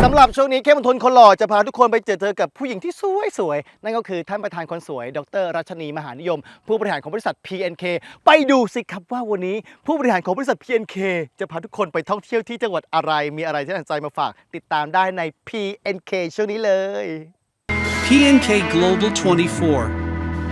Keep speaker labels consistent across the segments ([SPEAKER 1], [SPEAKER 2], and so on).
[SPEAKER 1] ำหรับช่วงนี้เข้มมนทนคนหล่อจะพาทุกคนไปเจอกับผู้หญิงที่สวยๆนั่นก็คือท่านประธานคนสวยดร.รัชนีมหานิยมผู้บริหารของบริษัท PNK ไปดูสิครับว่าวันนี้ผู้บริหารของบริษัท PNK จะพาทุกคนไปท่องเที่ยวที่จังหวัดอะไรมีอะไรที่น่าสนใจมาฝากติดตามได้ใน PNK ช่วงนี้เลย
[SPEAKER 2] PNK Global 24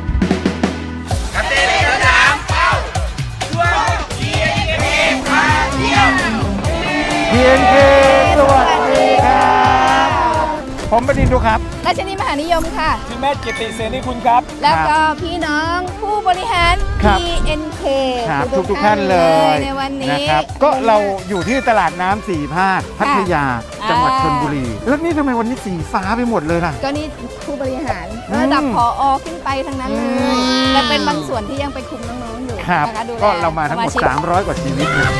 [SPEAKER 3] PNK สวัสดีครับผมบดินทร์ครับ
[SPEAKER 4] รัชนีมหานิยมค่ะ
[SPEAKER 3] พี่แม่กิติเสนีคุณครับ
[SPEAKER 4] แล้วก็พี่น้องผู้บริหาร PNK
[SPEAKER 3] ครับทุกท่านเลย
[SPEAKER 4] ในวันนี้
[SPEAKER 3] นะครับก็เราอยู่ที่ตลาดน้ำสี่ภาคพัทยาจังหวัดชลบุรีแล้วนี่ทำไมวันนี้สีฟ้าไปหมดเลยล่ะ
[SPEAKER 4] ก็นี่ผู้บริหารระดับผอ.ขึ้นไปทั้งนั้นเลยแต่เป็นบางส่วนที่ยังไปคุมน้องๆอยู่
[SPEAKER 3] นะคะดูแลก็เรามาทั้งหมด300กว่าชีวิตเลย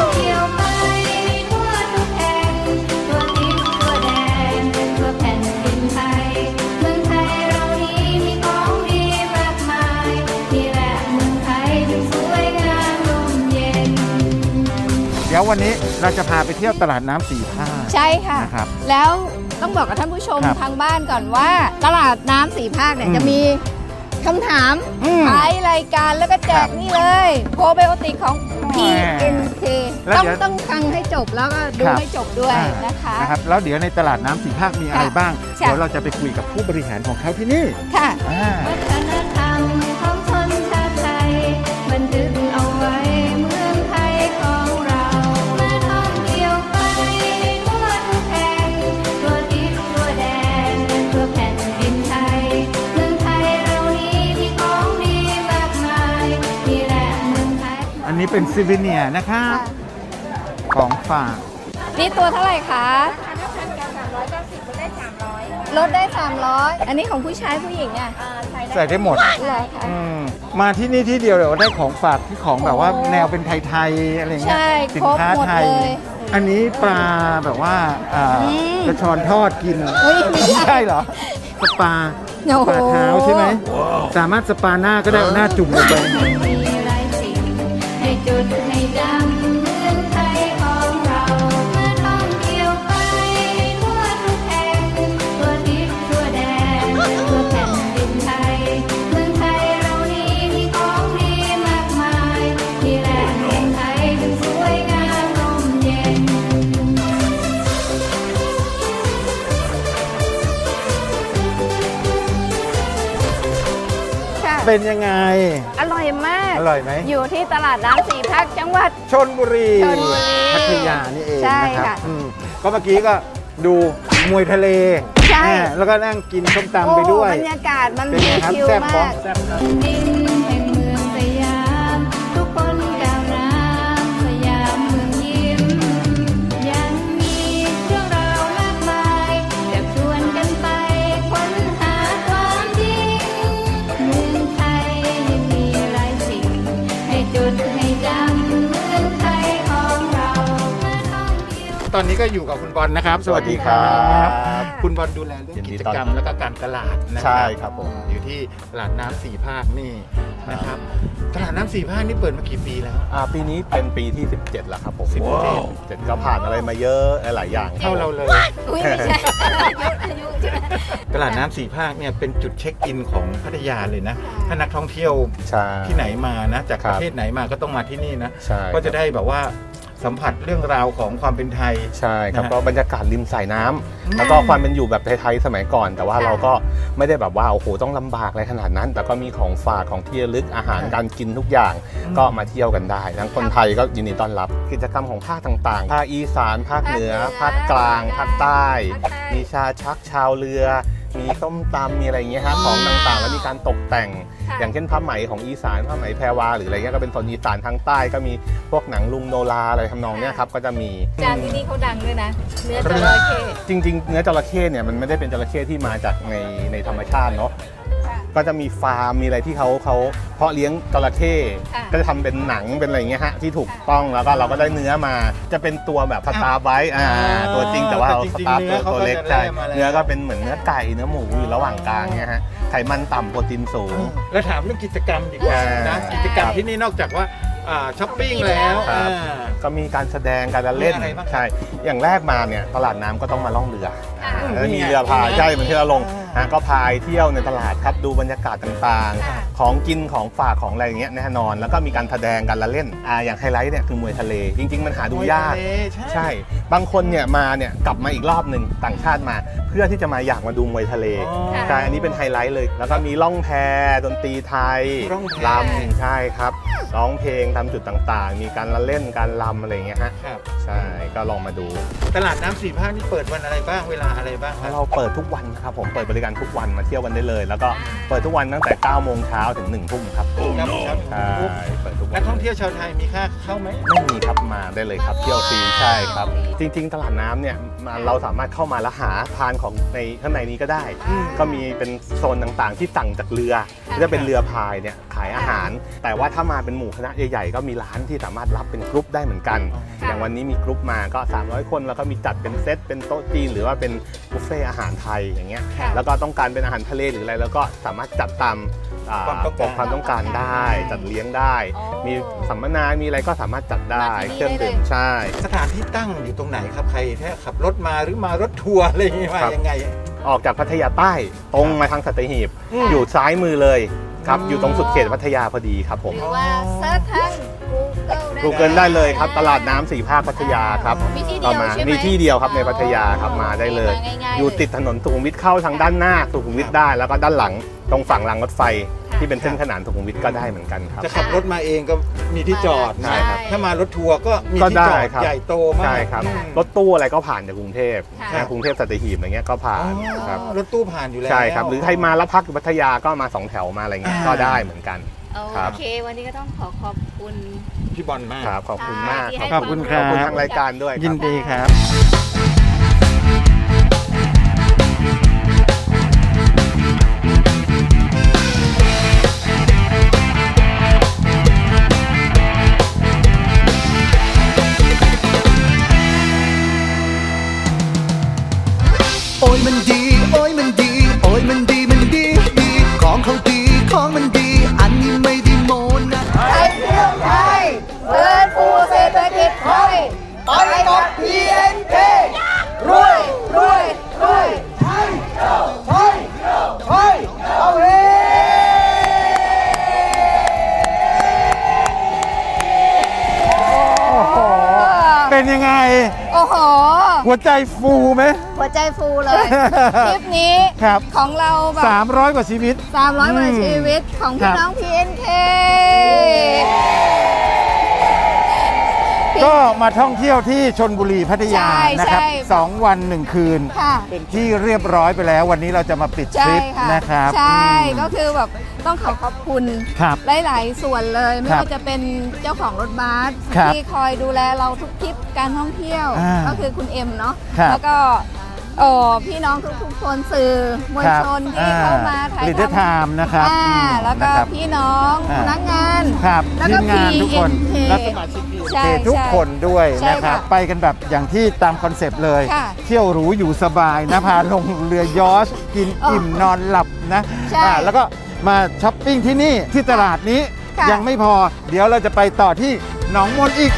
[SPEAKER 3] เดี๋ยววันนี้เราจะพาไปเที่ยวตลาดน้ำสี่ภาค
[SPEAKER 4] ใช่ค่ะนะครับแล้วต้องบอกกับท่านผู้ชมทางบ้านก่อนว่าตลาดน้ำสี่ภาคเนี่ยจะมีคำถามท้ายรายการแล้วก็แจกนี่เลยโปรไบโอติกของ PNK ต้องฟังให้จบแล้วก็ดูให้จบด้วยนะคะ
[SPEAKER 3] นะครับแล้วเดี๋ยวในตลาดน้ำสี่ภาคมีอะไรบ้างเดี๋ยวเราจะไปคุยกับผู้บริหารของเขาที่นี่
[SPEAKER 4] ค่ะ
[SPEAKER 5] วัฒนธรรมของชนชาติไทยบันทึกเอาไว้เมืองไทยของเรามาท่องเที่ยวไปทั่วทุกแห่งทั่วทิศทั่วแดนทั่วแผ่นดินไทยเมืองไทยเรานี้มีของดีมากมายนี่แหละเมืองไทย
[SPEAKER 3] อันนี้เป็นซิวิเนียนะคะของฝาก
[SPEAKER 4] นี่ตัวเท่าไหร่คะลดได้300อันนี้ของผู้ชายผู้หญิงอ่ะ
[SPEAKER 3] ใส่ได้หมดมาที่นี่ที่เดียวเดี๋ยวได้ของฝากที่ของแบบว่าแนวเป็นไทยๆอะไรเงี้ยสินค้าไทยอันนี้ปลาแบบว่ากระชอนทอดกินไม่ใช่เหรอสปาเท้าใช่ไหมสามารถสปาหน้าก็ได้เอาหน้าจุ่มลงไป
[SPEAKER 5] ให้จุดให้ดำเมืองไทยของเราเมื่อท่องเที่ยวไปทั่วทุกแห่งทั่วทิศทั่วแดนทั่วแผ่นดินไทยเมืองไทยเรานี้มีของดีมากมายที่แหล่งเมืองไทยถึงสวยงามร่มเย็น
[SPEAKER 3] เป็นยังไง
[SPEAKER 4] อร่อยมาก
[SPEAKER 3] อร่อยไหม
[SPEAKER 4] อยู่ที่ตลาดน้ำสี่ภาคจังหวัด
[SPEAKER 3] ชลบุรีพัทยานี่เองนะครับก็เมื่อกี้ก็ดูมวยทะเลแล้วก็นั่งกินส้มตำไปด้วย
[SPEAKER 4] บรรยากาศมันชิลมาก
[SPEAKER 5] ดินแห่งเมืองสยามทุกคนก้าวน้ำสยามเมืองยิ้มยังมีเรื่องราวมากมายจะชวนกันไปค้นหาความจริงเมืองไทยยังมีหลายสิ่งให้จุดให้จำเมืองไทยของเรา
[SPEAKER 3] ตอนนี้ก็อยู่กับคุณบอลนะครับสวัสดีครับคุณบอลดูแลเรื่องกิจกรรมและก็การตลาดนะ
[SPEAKER 1] ใช่ครับผม
[SPEAKER 3] อยู่ที่ตลาดน้ำสี่ภาคนี่นะครับตลาดน้ำสี่ภาคนี่เปิดมากี่ปีแล้ว
[SPEAKER 1] ปีนี้เป็นปีที่17แล้วครับผม17ก็ผ่านอะไรมาเยอะหลายอย่าง
[SPEAKER 3] เท่าเราเลย
[SPEAKER 4] ไม่ใช่
[SPEAKER 3] ตลาดน้ำสี่ภาคเนี่ยเป็นจุดเช็คอินของพัทยาเลยนะถ้านักท่องเที่ยวที่ไหนมานะจากประเทศไหนมาก็ต้องมาที่นี่นะก็จะได้แบบว่าสัมผัสเรื่องราวของความเป็นไทย
[SPEAKER 1] ใช่ครับก็บรรยากาศริมสายน้ำแล้วก็ความเป็นอยู่แบบไทยๆสมัยก่อนแต่ว่าเราก็ไม่ได้แบบว่าโอ้โหต้องลำบากอะไรขนาดนั้นแต่ก็มีของฝากของที่ระลึกอาหารการกินทุกอย่างก็มาเที่ยวกันได้ทั้งคนไทยก็ยินดีต้อนรับกิจกรรมของภาคต่างๆภาคอีสานภาคเหนือภาคกลางภาคใต้มีชาชักชาวเรือมีส้มตำมีอะไรอย่างเงี้ยฮะของต่างๆแล้วมีการตกแต่งอย่างเช่นผ้าไหมของอีสานผ้าไหมแพรวาหรืออะไรเงี้ยก็เป็นโซนอีสานทางใต้ก็มีพวกหนังลุงโนราอะไรทำนองเนี้ยครับก็จะมี
[SPEAKER 4] จานที่นี่เขาดังด้วยนะเนื้อจระเข้
[SPEAKER 1] จริงๆเนื้อจระเข้เนี่ยมันไม่ได้เป็นจระเข้ที่มาจากในธรรมชาติเนาะก็จะมีฟาร์มมีอะไรที่เขาเพาะเลี้ยงจระเข้ก็จะทำเป็นหนังเป็นอะไรเงี้ยฮะที่ถูกต้องแล้วก็เราก็ได้เนื้อมาจะเป็นตัวแบบสตาร์ไบต์ตัวจริงแต่ว่าสตาร์ตัวเล็กใช่เนื้อก็เป็นเหมือนเนื้อไก่เนื้อหมูอยู่ระหว่างกลางเนี่ยฮะไขมันต่ำโปรตีนสูง
[SPEAKER 3] แล้วถามเรื่องกิจกรรมดีกว่านะกิจกรรมที่นี่นอกจากว่าช้อปปิ้งแล้ว
[SPEAKER 1] ครับ ก็มีการแสดงการละเล่น
[SPEAKER 3] มีอะไรบ้างครับ
[SPEAKER 1] ใช่อย่างแรกมาเนี่ยตลาดน้ำก็ต้องมาล่องเรือ
[SPEAKER 4] ค่ะ
[SPEAKER 1] แล้วมีเรือพายใช่เหมือนที่เราลงก็พายเที่ยวในตลาดครับดูบรรยากาศต่าง
[SPEAKER 4] ค่ะ
[SPEAKER 1] ๆ ของกินของฝากของอะไรอย่างเงี้ยแน่นอน แล้วก็มีการแสดงการละเล่นอย่างไฮไลท์เนี่ยคือมวยทะเล จริง ๆ มันหาดูยาก ใช่ บางคนเนี่ยมาเนี่ยกลับมาอีกรอบหนึ่งต่างชาติมา เพื่อที่จะมาอยากมาดูมวยทะเล
[SPEAKER 4] ค่ะ
[SPEAKER 1] ใช่ อันนี้เป็นไฮไลท์เลย แล้วก็มีล่องแพดนตรีไทย
[SPEAKER 3] ร่องแพ
[SPEAKER 1] ลำใช่ครับร้องเพลงตามจุดต่างๆ มีการละเล่นการลำอะไรอย่างเงี้ยฮะ
[SPEAKER 3] ครับ
[SPEAKER 1] ใช่ ก็ลองมาดู
[SPEAKER 3] ตลาดน้ำสี่ภาคนี่เปิดวันอะไรบ้างเวลาอะไรบ้างครับ
[SPEAKER 1] เราเปิดทุกวันครับผม เปิดบริการทุกวันมาเที่ยวกันได้เลย แล้วก็เปิดทุกวันตั้งแต่ 9 โมงเช้าถึง 1 ทุ่มครับ
[SPEAKER 3] ครับผม
[SPEAKER 1] ใช่ เปิดทุกวั
[SPEAKER 3] นั
[SPEAKER 1] น
[SPEAKER 3] กท่องเที่ยวชาวไทยมีค่าเข้าไหม
[SPEAKER 1] ไม่มีครับมาได้เลยครับ เที่ยวฟรีใช่ครับ จริง ๆ ตลาดน้ำเนี่ยเราสามารถเข้ามาแล้วหาทานของในข้างในนี้ก็ได้ ก็มีเป็นโซนต่างๆ ที่สั่งจากเรือที่จะเป็นเรือพายเนี่ยขายอาหาร แต่ว่าถ้ามาเป็นหมู่คณะใหญ่ๆก็มีร้านที่สามารถรับเป็นกรุ๊ปได้เหมือนกัน อย่างวันนี้มีกรุ๊ปมาก็ 300 คนแล้วก็มีจัดเป็นเซตเป็นโต๊ะจีนหรือว่าเป็นบุฟเฟ่อาหารไทยอย่างเงี้ย
[SPEAKER 4] ค่ะ
[SPEAKER 1] แล้วก็ต้องการเป็นอาหารทะเลหรืออะไรแล้วก็สามารถจัดตามความต้องการได้ จัดเลี้ยงได้
[SPEAKER 4] อ๋อ
[SPEAKER 1] มีสัมมนามีอะไรก็สามารถจัดได้
[SPEAKER 4] มาที่นี่
[SPEAKER 1] เครื่องดื่ม
[SPEAKER 4] ได้เลย
[SPEAKER 1] ใช่
[SPEAKER 3] สถานที่ตั้งอยู่ตรงไหนครับใครถ้าขับรถมาหรือมารถทัวร์อะไรอย่างเงี้ยมายังไง
[SPEAKER 1] ออกจากพัทยาใต้ตรงมาทางสัตหีบอยู่ซ้ายมือเลยครับ
[SPEAKER 3] อ๋อ
[SPEAKER 1] อ
[SPEAKER 3] อยู่
[SPEAKER 1] ตรงสุดเขตพัทยาพอดีครับผม
[SPEAKER 4] หรือว่าเซิร์ชทาง
[SPEAKER 1] Google ได้เลยครับตลาดน้ำสี่ภาคพัทยาครับ
[SPEAKER 4] มีที่เดี
[SPEAKER 1] ก็
[SPEAKER 4] ยว
[SPEAKER 1] มา
[SPEAKER 4] ใช่ไหม
[SPEAKER 1] มีที่เดียวครับในพัทยาครับมาได้เลย
[SPEAKER 4] มาง่ายๆ
[SPEAKER 1] อยู่ติดถนนสุขุมวิทเข้าทางด้านหน้าสุขุมวิทได้แล้วก็ด้านหลังตรงฝั่งรางรถไฟ ที่เป็นเส้นขนานสุขุมวิทก็ได้เหมือนกันครับ
[SPEAKER 3] จะขับรถมาเองก็มีที่จอด
[SPEAKER 1] ใช่ครับ
[SPEAKER 3] ถ้ามารถทัวร์ก็มี
[SPEAKER 1] ก็
[SPEAKER 3] ที่
[SPEAKER 1] ได้
[SPEAKER 3] จอด
[SPEAKER 1] ครับ
[SPEAKER 3] ใหญ่โตมาก
[SPEAKER 1] ใช่ครับ
[SPEAKER 3] อืม
[SPEAKER 1] รถตู้อะไรก็ผ่านจากกรุงเทพ
[SPEAKER 4] ค่ะ
[SPEAKER 1] นะกรุงเทพสัตหีบอะไรเงี้ยก็ผ่านครับ
[SPEAKER 3] รถตู้ผ่านอยู่แล้ว
[SPEAKER 1] ใช่ครับหรือใครมาแล้วพักอยู่พัทยาก็มา2 แถวมาอะไรเงี้ยก็ได้เหมือนกัน ครับ
[SPEAKER 4] โอเค วันนี้ก็ต้องขอบคุณ
[SPEAKER 3] พี่บอลมาก
[SPEAKER 1] ครับขอบคุณมาก
[SPEAKER 4] ที่ให้
[SPEAKER 3] ขอบคุณครั
[SPEAKER 1] ข
[SPEAKER 3] บ
[SPEAKER 1] อบคุณทางรายการด้วยครับ
[SPEAKER 3] ยินดีครับ
[SPEAKER 6] โอ้ยมันดี โอ้ยมันดี โอ้ยมันดี มันดี ดี ของเขาดี ของมันดี อันนี้ไม่ได้โมนะ
[SPEAKER 4] ไทยเที่ยวไทยเดินฟูเศรษฐกิจไทยไปกับ PNK รวยรวยรวยไทยเที่ยวไทยไทยเอาเฮ
[SPEAKER 3] เป็นยังไง
[SPEAKER 4] โอ้โห
[SPEAKER 3] หัวใจฟูไหม
[SPEAKER 4] หัวใจฟูเลย คลิปนี้
[SPEAKER 3] ครับ
[SPEAKER 4] ของเราแบบ
[SPEAKER 3] 300 กว่าชีวิต
[SPEAKER 4] 300กว่าชีวิตของ
[SPEAKER 3] ครั
[SPEAKER 4] พี่
[SPEAKER 3] บ
[SPEAKER 4] น้อง PNK
[SPEAKER 3] ก็มาท่องเที่ยวที่ชลบุรีพัทยา
[SPEAKER 4] ใช่
[SPEAKER 3] นะครับ
[SPEAKER 4] ใช่
[SPEAKER 3] 2 วัน 1 คืน
[SPEAKER 4] ค่ะ
[SPEAKER 3] เป็นที่เรียบร้อยไปแล้ว วันนี้เราจะมาปิดท
[SPEAKER 4] ใช่
[SPEAKER 3] ริป
[SPEAKER 4] ค่ะ
[SPEAKER 3] นะครับ
[SPEAKER 4] ใช่
[SPEAKER 3] อืม
[SPEAKER 4] ก็คือแบบต้องขอบคุณ
[SPEAKER 3] ครับ
[SPEAKER 4] หลายๆส่วนเลย ไม่
[SPEAKER 3] ครับ
[SPEAKER 4] ว่าจะเป็นเจ้าของรถบัส
[SPEAKER 3] ครับ
[SPEAKER 4] ที่คอยดูแลเราทุกทริปการท่องเที่ยว
[SPEAKER 3] อ่า
[SPEAKER 4] ก็คือคุณเอ็มเนาะ
[SPEAKER 3] ครับ
[SPEAKER 4] แล้วก็พี่น้องทุกๆคนสื่อมวลชนที่เข้ามาถ่าย
[SPEAKER 3] ลิเดอร์ไท
[SPEAKER 4] ทำ
[SPEAKER 3] ม์นะครับ
[SPEAKER 4] แล้วก็
[SPEAKER 3] นะครับ
[SPEAKER 4] พี่น้อง
[SPEAKER 3] อ่า
[SPEAKER 4] พนักงาน
[SPEAKER 3] ครับ
[SPEAKER 4] แล้ว
[SPEAKER 3] ที
[SPEAKER 4] ก็
[SPEAKER 3] มงานทุกคน
[SPEAKER 4] PNK
[SPEAKER 3] และสมาชิก
[SPEAKER 4] ใช่
[SPEAKER 3] ทุกคนด้วย
[SPEAKER 4] ใช่
[SPEAKER 3] นะครับ
[SPEAKER 4] ค่ะ
[SPEAKER 3] ไปกันแบบอย่างที่ตามคอนเซปต์เลย
[SPEAKER 4] ค่ะ
[SPEAKER 3] เที่ยวหรูอยู่สบายนะ พาลงเรือยอชต์กิน
[SPEAKER 4] อ๋ออิ่
[SPEAKER 3] อิ่มนอนหลับนะ
[SPEAKER 4] ใช่
[SPEAKER 3] แล้วก็มาช้อปปิ้งที่นี่ที่ตลาดนี้
[SPEAKER 4] ค่ะ
[SPEAKER 3] ยังไม่พอ เดี๋ยวเราจะไปต่อที่หนองมนอีก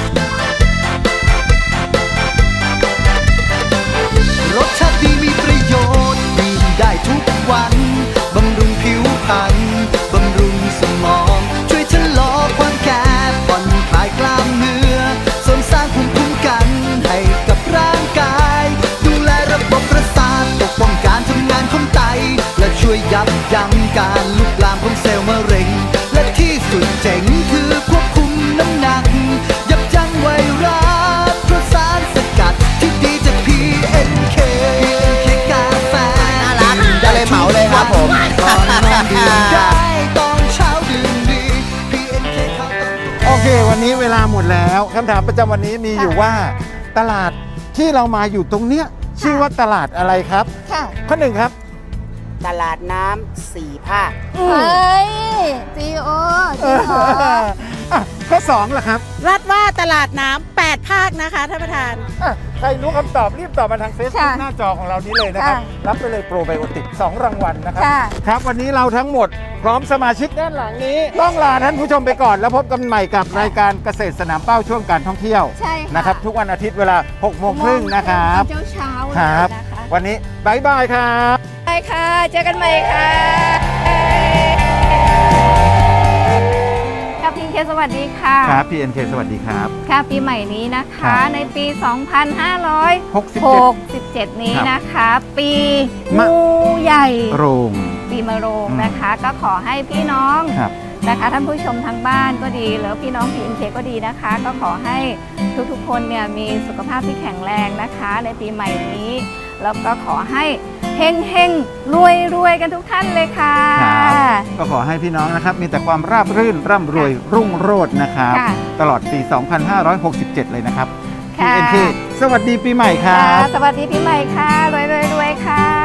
[SPEAKER 6] รสชาติดีมีประโยชน์ดื่มได้ทุกวัน บำรุงผิวพรรณบำรุงสมอง ช่วยชะลอความแก่ผ่อนคลายกล้ามเนื้อเสริมสร้างภูมิคุ้มกันให้กับร่างกาย ดูแลระบบประสาทปกป้องการทำงานของไต และช่วยยับยั้งการลุกลามของเซลล์มะเร็ง และที่สุดเจ๋งคือควบคุมน้ำหนัก ยับยั้งไวรัสเพราะสารสกัดที่ดีจาก PNK กาแฟดื่มได้เลยเหมาเลยครับผมก่อนนอนดื่มได้ตอนเช้าดื่มดี PNK เขาต้อง
[SPEAKER 3] โอเค วันนี้เวลาหมดแล้วคำถามประจำวันนี้มีอยู่ว่าตลาดที่เรามาอยู่ตรงเนี้ยชื่อว่าตลาดอะไรครับ
[SPEAKER 4] ค่ะ
[SPEAKER 3] ข้อหนึ่งครับ
[SPEAKER 7] ตลาดน้ำสี่ภาค
[SPEAKER 4] เฮ้ยจีโอจริงเหรอ
[SPEAKER 3] อ่ะข้อ 2ล่ะครับ
[SPEAKER 8] ลาดว่าตลาดน้ำ8 ภาคนะคะท่านประธาน
[SPEAKER 3] ใครรู้คำตอบรีบตอบมาทาง Facebook
[SPEAKER 4] ค่ะ
[SPEAKER 3] หน้าจอของเรานี้เลยนะครับ
[SPEAKER 4] ค่ะ
[SPEAKER 3] รับไปเลยโปรไบโอติก2รางวัลนะครับ
[SPEAKER 4] ค่ะ
[SPEAKER 3] ครับวันนี้เราทั้งหมดพร้อมสมาชิกด้านหลังนี้ ต้องลาท่านผู้ชมไปก่อนแล้วพบกันใหม่กับรายการเกษตรสนามเป้าช่วงการท่องเที่ยว
[SPEAKER 4] ใช่ค่ะ
[SPEAKER 3] นะครับทุกวันอาทิตย์เวลา 6:30 นะครับ
[SPEAKER 4] เช้าๆ
[SPEAKER 3] ค
[SPEAKER 4] เลย
[SPEAKER 3] รับ
[SPEAKER 4] นะคะ
[SPEAKER 3] วันนี้บายบายครับ
[SPEAKER 4] ไปค่ะ เจอกันใหม่ค่ะค่ะพี่เคสวัสดีค่ะ
[SPEAKER 3] ครับ PNK สวัสดีครับ
[SPEAKER 4] ค่ะปีใหม่นี้นะ
[SPEAKER 3] ครั
[SPEAKER 4] คะ
[SPEAKER 3] บ
[SPEAKER 4] ในปี
[SPEAKER 3] 67
[SPEAKER 4] นี้นะคะ ปี
[SPEAKER 3] มะ
[SPEAKER 4] งูใหญ่
[SPEAKER 3] โรง
[SPEAKER 4] ปีมะโรงนะคะ ก็ขอให้พี่น้อง
[SPEAKER 3] ครับ
[SPEAKER 4] นะคะท่านผู้ชมทางบ้านก็ดีหรือพี่น้อง PNK ก็ดีนะคะ ก็ขอให้ทุกๆคนเนี่ยมีสุขภาพที่แข็งแรงนะคะ ในปีใหม่นี้ แล้วก็ขอให้เฮงเฮงรวยรวยๆกันทุกท่านเลยค่ะ
[SPEAKER 3] ครับก็ขอให้พี่น้องนะครับมีแต่ความราบรื่นร่ำรวยรุ่งโรจน์นะครับ
[SPEAKER 4] ค่ะ
[SPEAKER 3] ตลอดปี 2567 เลยนะครับ
[SPEAKER 4] ค่ะ
[SPEAKER 3] PNK สวัสดีปีใหม่ครั
[SPEAKER 4] ค่ะ
[SPEAKER 3] บ
[SPEAKER 4] สวัสดีปีใหม่ค่ะรวยรวยรวยค่ะ